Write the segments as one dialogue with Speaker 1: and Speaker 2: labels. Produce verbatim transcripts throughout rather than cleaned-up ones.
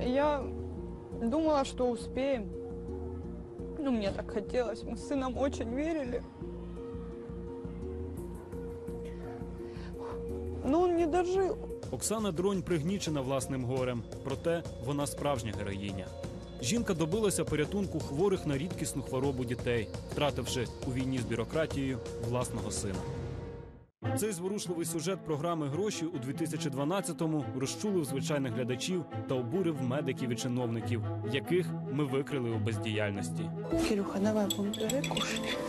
Speaker 1: Я думала, что успеем. Ну, мне так хотелось. Мы с сыном очень верили. Но он не дожил.
Speaker 2: Оксана Дронь пригнічена власним горем, проте вона справжня героїня. Жінка добилася порятунку хворих на рідкісну хворобу дітей, втративши у війні з бюрократією власного сина. Цей зворушливий сюжет програми «Гроші» у дві тисячі дванадцятому розчулив звичайних глядачів та обурив медиків і чиновників, яких ми викрили у бездіяльності.
Speaker 1: Кирюха, давай, бери, кушай.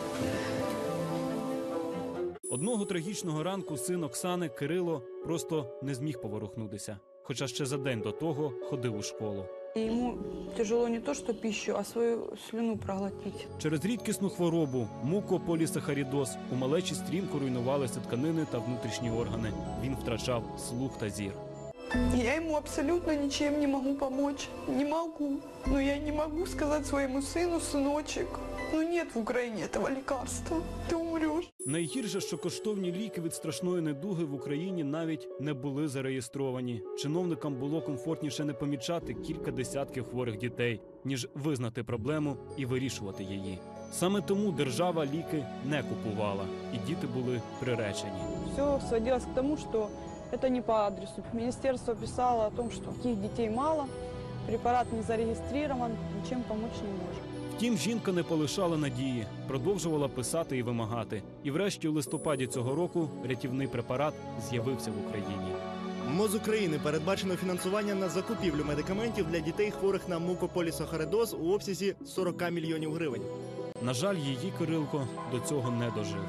Speaker 2: Одного трагічного ранку син Оксани, Кирило, просто не зміг поворухнутися, хоча ще за день до того ходив у школу.
Speaker 1: Ему тяжело не то, что пищу, а свою слюну проглотить.
Speaker 2: Через рідкісну хворобу – мукополісахаридоз – у малечі стрімко руйнувалися тканини та внутрішні органи. Він втрачав слух та зір.
Speaker 1: Я ему абсолютно ничем не могу помочь. Не могу. Но я не могу сказать своему сыну: сыночек, ну нет в Украине этого лекарства. Ты умрешь.
Speaker 2: Найгірше, що коштовні ліки від страшної недуги в Україні навіть не були зареєстровані. Чиновникам було комфортніше не помічати кілька десятків хворих дітей, ніж визнати проблему і вирішувати її. Саме тому держава ліки не купувала, і діти були приречені.
Speaker 1: Все сводилось к тому, что это не по адресу. Министерство писало о том, что таких детей мало, препарат не зарегистрирован, ничем помочь не может.
Speaker 2: Втім, жінка не полишала надії, продовжувала писати і вимагати. І врешті у листопаді цього року рятівний препарат з'явився в Україні.
Speaker 3: МОЗ України передбачено фінансування на закупівлю медикаментів для дітей, хворих на мукополісахаридоз у обсязі сорок мільйонів гривень.
Speaker 2: На жаль, її Кирилко до цього не дожив.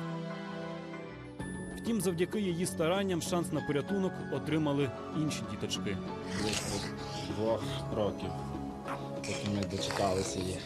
Speaker 2: Втім, завдяки її старанням шанс на порятунок отримали інші діточки.
Speaker 4: Близько двох років, поки ми дочекалися її.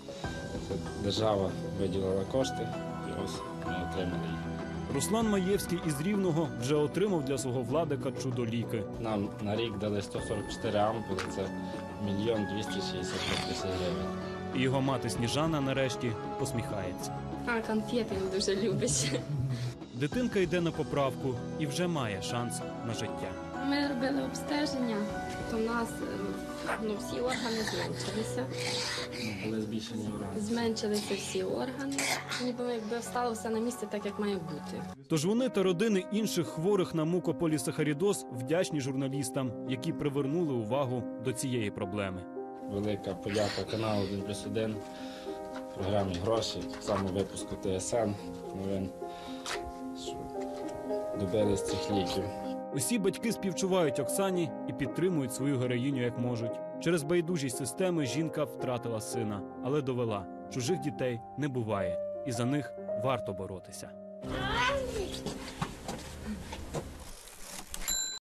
Speaker 4: Держава виділила кошти, і ось ми отримали їх.
Speaker 2: Руслан Маєвський із Рівного вже отримав для свого Владика чудо-ліки.
Speaker 4: Нам на рік дали сто сорок чотири ампули, це мільйон двісті шістдесят тисяч гривень.
Speaker 2: І його мати Сніжана нарешті посміхається.
Speaker 5: А конфети він дуже любить.
Speaker 2: Дитинка йде на поправку і вже має шанс на життя.
Speaker 5: Ми робили обстеження, то в нас ну, всі органи зменшилися.
Speaker 4: Були збільшені органи.
Speaker 5: Зменшилися всі органи, ніби якби встало все на місце так, як має бути.
Speaker 2: Тож вони та родини інших хворих на мукополісахаридоз вдячні журналістам, які привернули увагу до цієї проблеми.
Speaker 4: Велика подяка каналу один плюс один, програмі «Гроші», саме випуску Т С Н, новин, що добились цих ліків.
Speaker 2: Усі батьки співчувають Оксані і підтримують свою героїню як можуть. Через байдужість системи жінка втратила сина, але довела – чужих дітей не буває, і за них варто боротися.